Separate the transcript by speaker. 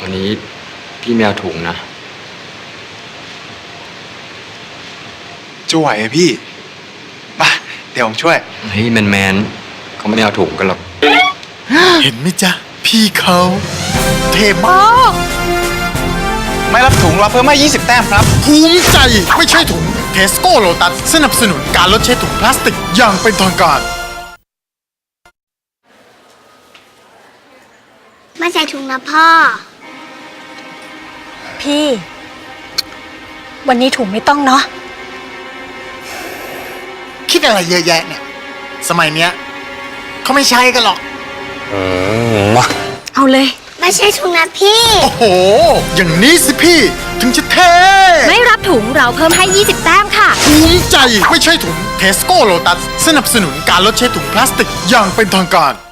Speaker 1: วันนี้พี่ไม่เอาถุงนะ
Speaker 2: จะไหวอะพี่มาเดี๋ยวผมช่วย
Speaker 1: เฮ้ยแมนเขาไม่ได้เอาถุงกันหรอก
Speaker 3: เห็นไหมจ๊ะ พี่เขาเทมาก
Speaker 2: ไม่รับถุงเราเพิ่มให้20 แต้มครับ
Speaker 3: ภูมิใจไม่ใช่ถุงเทสโก้โลตัสสนับสนุนการลดใช้ถุงพลาสติกอย่างเป็นทางการ
Speaker 4: ไม่ใส่ถุงนะพ่อ
Speaker 5: พี่ วันนี้ถุงไม่ต้องเนาะ
Speaker 3: คิดอะไรเยอะแยะเนี่ย สมัยเนี้ยเขาไม่ใช้กันหรอก
Speaker 5: เอาเลย
Speaker 4: ไม่ใช่ถุงนะพี่
Speaker 3: โอ้โห อย่างนี้สิพี่ ถึงจะเท่
Speaker 5: ไม่รับถุงเราเพิ่มให้ 20 แต้มค่ะ
Speaker 3: ภูมิใจไม่ใช่ถุงเทสโก้โลตัสสนับสนุนการลดใช้ถุงพลาสติกอย่างเป็นทางการ